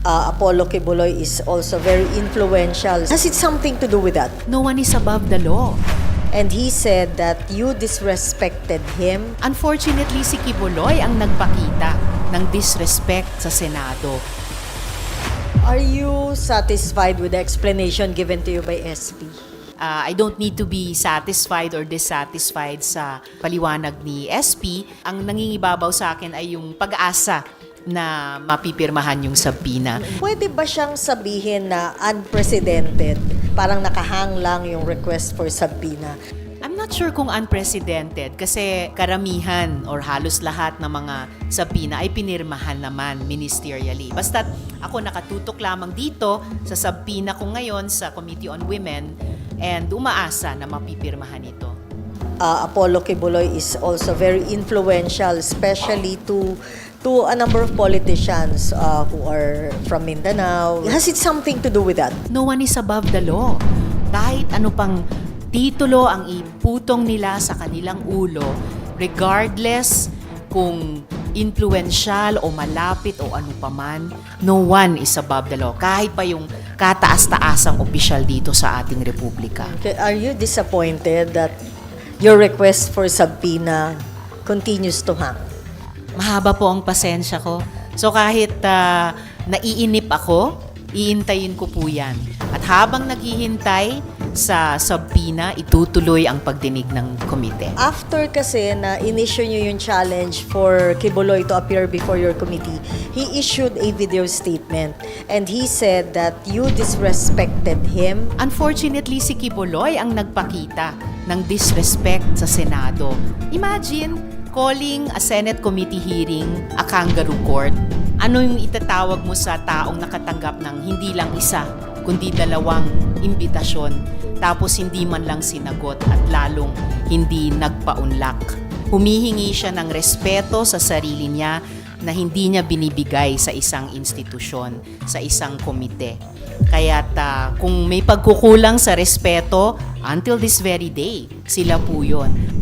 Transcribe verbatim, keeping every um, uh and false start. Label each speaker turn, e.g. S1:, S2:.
S1: uh, Apollo Kibuloy is also very influential. Has it something to do with that?
S2: No one is above the law.
S1: And he said that you disrespected him.
S2: Unfortunately, si Kibuloy ang nagpakita ng disrespect sa Senado.
S1: Are you satisfied with the explanation given to you by S P?
S2: Uh, I don't need to be satisfied or dissatisfied sa paliwanag ni S P. Ang nangingibabaw sa akin ay yung pag-asa na mapipirmahan yung subpoena.
S1: Pwede ba siyang sabihin na unprecedented? Parang nakahang lang yung request for subpoena.
S2: I'm not sure kung unprecedented kasi karamihan or halos lahat ng mga subpoena ay pinirmahan naman ministerially. Basta't ako nakatutok lamang dito sa subpoena ko ngayon sa Committee on Women and umaasa na mapipirmahan ito.
S1: Uh, Apollo Kibuloy is also very influential, especially to to a number of politicians uh, who are from Mindanao. Has it something to do with that?
S2: No one is above the law. Kahit ano pang titulo ang iputong nila sa kanilang ulo, regardless kung influential o malapit o ano paman, no one is above the law. Kahit pa yung kataas-taasang opisyal dito sa ating republika.
S1: Okay, are you disappointed that your request for subpoena continues to hang?
S2: Mahaba po ang pasensya ko. So kahit uh, naiinip ako, iintayin ko po yan. At habang naghihintay sa subpoena, itutuloy ang pagdinig ng komite.
S1: After kasi na in-issue nyo yung challenge for Kibuloy to appear before your committee, he issued a video statement and he said that you disrespected him.
S2: Unfortunately, si Kibuloy ang nagpakita ng disrespect sa Senado. Imagine calling a Senate committee hearing a kangaroo court. Ano yung itatawag mo sa taong nakatanggap ng hindi lang isa, kundi dalawang imbitasyon, tapos hindi man lang sinagot at lalong hindi nagpaunlak. Humihingi siya ng respeto sa sarili niya na hindi niya binibigay sa isang institusyon, sa isang komite. Kaya't uh, kung may pagkukulang sa respeto, until this very day, sila po yun.